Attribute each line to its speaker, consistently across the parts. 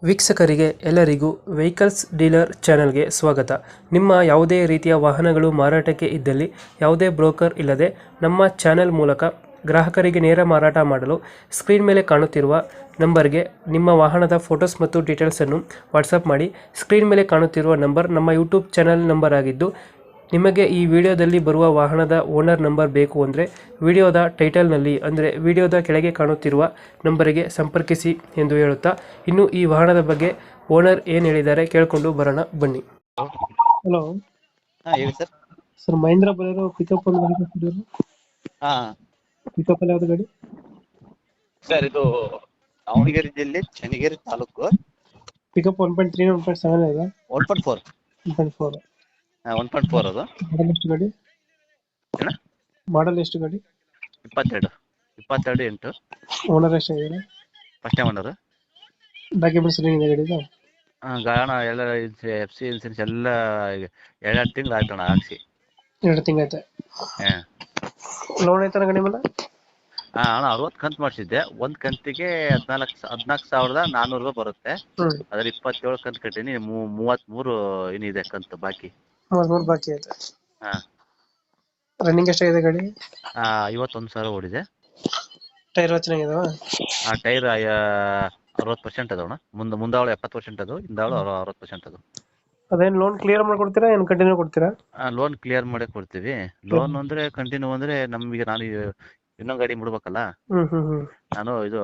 Speaker 1: ವೀಕ್ಷಕರಿಗೆ ಎಲ್ಲರಿಗೂ vehicles dealer ಚಾನೆಲ್ಗೆ ಸ್ವಾಗತ. ನಿಮ್ಮ ಯಾವುದೇ ರೀತಿಯ ವಾಹನಗಳು ಮಾರಾಟಕ್ಕೆ ಇದ್ದಲ್ಲಿ ಯಾವುದೇ ಬ್ರೋಕರ್ ಇಲ್ಲದೆ ನಮ್ಮ ಚಾನೆಲ್ ಮೂಲಕ ಗ್ರಾಹಕರಿಗೆ ನೇರ ಮಾರಾಟ ಮಾಡಲು ಸ್ಕ್ರೀನ್ ಮೇಲೆ ಕಾಣುತ್ತಿರುವ ನಂಬರ್ಗೆ ನಿಮ್ಮ ವಾಹನದ ಫೋಟೋಸ್ ಮತ್ತು ಡೀಟೇಲ್ಸನ್ನು ವಾಟ್ಸಪ್ ಮಾಡಿ. ಸ್ಕ್ರೀನ್ ಮೇಲೆ ಕಾಣುತ್ತಿರುವ ನಂಬರ್ ನಮ್ಮ ಯೂಟ್ಯೂಬ್ ಚಾನೆಲ್ ನಂಬರ್ ಆಗಿದ್ದು, ನಿಮಗೆ ಈ ವಿಡಿಯೋದಲ್ಲಿ ಬರುವ ವಾಹನದ ಓನರ್ ನಂಬರ್ ಬೇಕು ಅಂದರೆ ವಿಡಿಯೋದ ಟೈಟಲ್ನಲ್ಲಿ ಅಂದರೆ ವಿಡಿಯೋದ ಕೆಳಗೆ ಕಾಣುತ್ತಿರುವ ನಂಬರಿಗೆ ಸಂಪರ್ಕಿಸಿ ಎಂದು ಹೇಳುತ್ತಾ, ಇನ್ನು ಈ ವಾಹನದ ಬಗ್ಗೆ ಓನರ್ ಏನು ಹೇಳಿದ್ದಾರೆ ಕೇಳಿಕೊಂಡು ಬರೋಣ ಬನ್ನಿ. ಹಲೋ
Speaker 2: ಹೇಳಿ ಸರ್.
Speaker 1: ಸರ್, ಮಹೇಂದ್ರ ಬರೋರು ಪಿಕಪ್ ಒಂದು ಗಾಡಿ ಕೊಟ್ಟಿದ್ರು.
Speaker 2: ಹಾ
Speaker 1: ಪಿಕಪ್ ಅಲ್ಲಿ ಯಾವ್ದು ಗಾಡಿ?
Speaker 2: ಸರ್, ಇದು ದಾವಣಗೆರೆ ಜಿಲ್ಲೆ ಚನ್ನಗಿರಿ ತಾಲೂಕು.
Speaker 1: ಪಿಕಪ್ 1.3 1.7 ಇದೆ.
Speaker 2: 1.4
Speaker 1: 1.4
Speaker 2: 1.4 ಅದು.
Speaker 1: ಮಾಡಲ್ ಎಷ್ಟು ಗಾಡಿ?
Speaker 2: ಏನ
Speaker 1: ಮಾಡಲ್ ಎಷ್ಟು ಗಾಡಿ?
Speaker 2: 22 8
Speaker 1: ಓನರ್ ಎಷ್ಟಾಗಿದ್ದಾರೆ?
Speaker 2: First time owner.
Speaker 1: ಡಾಕ್ಯುಮೆಂಟ್ಸ್ ಏನಿದೆ ಗಾಡಿದು?
Speaker 2: ಗಾಣ ಎಲ್ಲ FC ಇನ್ಸೂರೆನ್ಸ್ ಎಲ್ಲ 2 ತಿಂಗಳು ಆಯ್ತಣ್ಣ ಹಾಕ್ಸಿ.
Speaker 1: 2 ತಿಂಗಳಾಯ್ತು. ಲೋನ್ ಐತನ ಗಾಡಿ ಮೇಲೆ?
Speaker 2: ಅಣ್ಣ 60 ಕಂತು ಮಾಡಿಸಿದ್ದೆ. ಒಂದ್ ಕಂತಿಗೆ 14,400 ರೂಪಾಯಿ ಬರುತ್ತೆ. ಅದ್ರ 27 ಕಂತು ಕಟ್ಟೀನಿ. 33 ಏನಿದೆ ಕಂತು ಬಾಕಿ.
Speaker 1: 33 ಬಾಕಿ ಐತೆ.
Speaker 2: ಹಾ,
Speaker 1: ರನ್ನಿಂಗ್ ಎಷ್ಟಾಗಿದೆ ಗಾಡಿ?
Speaker 2: 51,000 ಓಡಿದೆ.
Speaker 1: ಟೈರ್ ಚೆನ್ನಾಗಿದಾವ?
Speaker 2: ಟೈರ್ 60% ಅದಾವಣ. ಮುಂದಾವಳು 70% ಅದು, ಹಿಂದಾವಳು 60% ಅದು.
Speaker 1: ಅದೇನು ಲೋನ್ ಕ್ಲಿಯರ್ ಮಾಡ್ಕೊಡ್ತೀರಾ, ಏನು ಕಂಟಿನ್ಯೂ ಕೊಡ್ತೀರಾ?
Speaker 2: ಲೋನ್ ಕ್ಲಿಯರ್ ಮಾಡೇ ಕೊಡ್ತೀವಿ. ಲೋನ್ ಅಂದ್ರೆ ಕಂಟಿನ್ಯೂ ಅಂದ್ರೆ ನಮಗೆ ನಾನು ಇನ್ನೊಂದು ಗಾಡಿ ಬಿಡ್ಬೇಕಲ್ಲ. ನಾನು ಇದು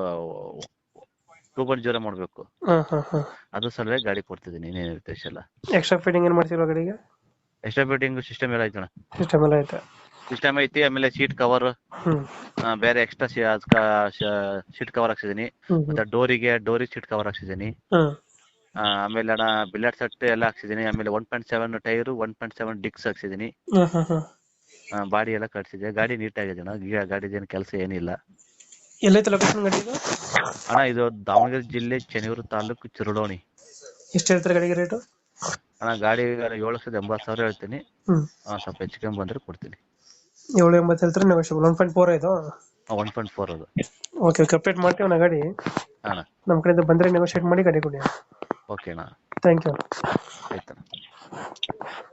Speaker 2: 2.0 ಮಾಡ್ಬೇಕು. ಅದು ಸಲುವಾಗಿ ಗಾಡಿ ಕೊಡ್ತಿದ್ದೀನಿ. ಏನೇನಿರುತ್ತೆ ಎಲ್ಲ.
Speaker 1: ಎಕ್ಸ್ಟ್ರಾ ಫಿಟ್ಟಿಂಗ್ ಏನು ಮಾಡ್ತಿಲ್ವಾ ಗಾಡಿಗೆ?
Speaker 2: ಎಕ್ಸ್ಟ್ರಾ ಫಿಟ್ಟಿಂಗ್ ಸಿಸ್ಟಮ್ ಎಲ್ಲ ಐತಣ್ಣ.
Speaker 1: ಸಿಸ್ಟಮ್ ಎಲ್ಲ ಐತೆ.
Speaker 2: ಸಿಸ್ಟಮ್ ಐತಿ. ಆಮೇಲೆ ಸೀಟ್ ಕವರ್ ಬೇರೆ ಎಕ್ಸ್ಟ್ರಾ ಸೀಟ್ ಕವರ್ ಹಾಕ್ಸಿದೀನಿ. ಮತ್ತೆ ಡೋರಿಗೆ ಸೀಟ್ ಕವರ್ ಹಾಕ್ಸಿದೀನಿ. ಆಮೇಲೆ ಅಣ್ಣ ಬಿಲ್ಲರ್ ಸೆಟ್ ಎಲ್ಲ ಹಾಕ್ಸಿದೀನಿ. ಆಮೇಲೆ 1.7 ಟೈರು, 1.7 ಡಿಕ್ಸ್ ಹಾಕ್ಸಿದೀನಿ. ಬಾಡಿ ಎಲ್ಲ ಕಟ್ಸಿದೆ. ಗಾಡಿ ನೀಟಾಗಿದೆ ಅಣ್ಣ. ಗಾಡಿದೇನು ಕೆಲಸ ಏನಿಲ್ಲ.
Speaker 1: ಎಲ್ಲೈತೆ ಲೊಕೇಶನ್ ಗಾಡಿದು?
Speaker 2: ಅಣ್ಣ ಇದು ದಾವಣಗೆರೆ ಜಿಲ್ಲೆ ಚನ್ನಗಿರಿ ತಾಲೂಕು ಚಿರುಡೋಣಿ.
Speaker 1: ಎಷ್ಟು ಹೇಳ್ತಾರೆ ಗಾಡಿಗೆ ರೇಟು?
Speaker 2: ಅಣ್ಣ ಗಾಡಿ 7,80,000 ಹೇಳ್ತೀನಿ. ಸ್ವಲ್ಪ ಹೆಚ್ಚು ಕಮ್ಮಿ ಬಂದ್ರೆ ಕೊಡ್ತೀನಿ.
Speaker 1: 780 ಹೇಳ್ತಾರೆ, ನೆಗೋಷಿಯಬಲ್. 1.4 ಇದು?
Speaker 2: 1.4 ಅದು.
Speaker 1: ಓಕೆ, ಅಪ್ಡೇಟ್ ಮಾಡ್ತೀವಿ ಅಣ್ಣ ಗಾಡಿ.
Speaker 2: ಅಣ್ಣ
Speaker 1: ನಮ್ಮ ಕಡೆಯಿಂದ ಬಂದರೆ ನೆಗೋಷಿಯೇಟ್ ಮಾಡಿ ಗಾಡಿ ಕೊಡಿ.
Speaker 2: ಓಕೆ ಅಣ್ಣ,
Speaker 1: ಥ್ಯಾಂಕ್ ಯು.
Speaker 2: ಆಯ್ತಣ್ಣ.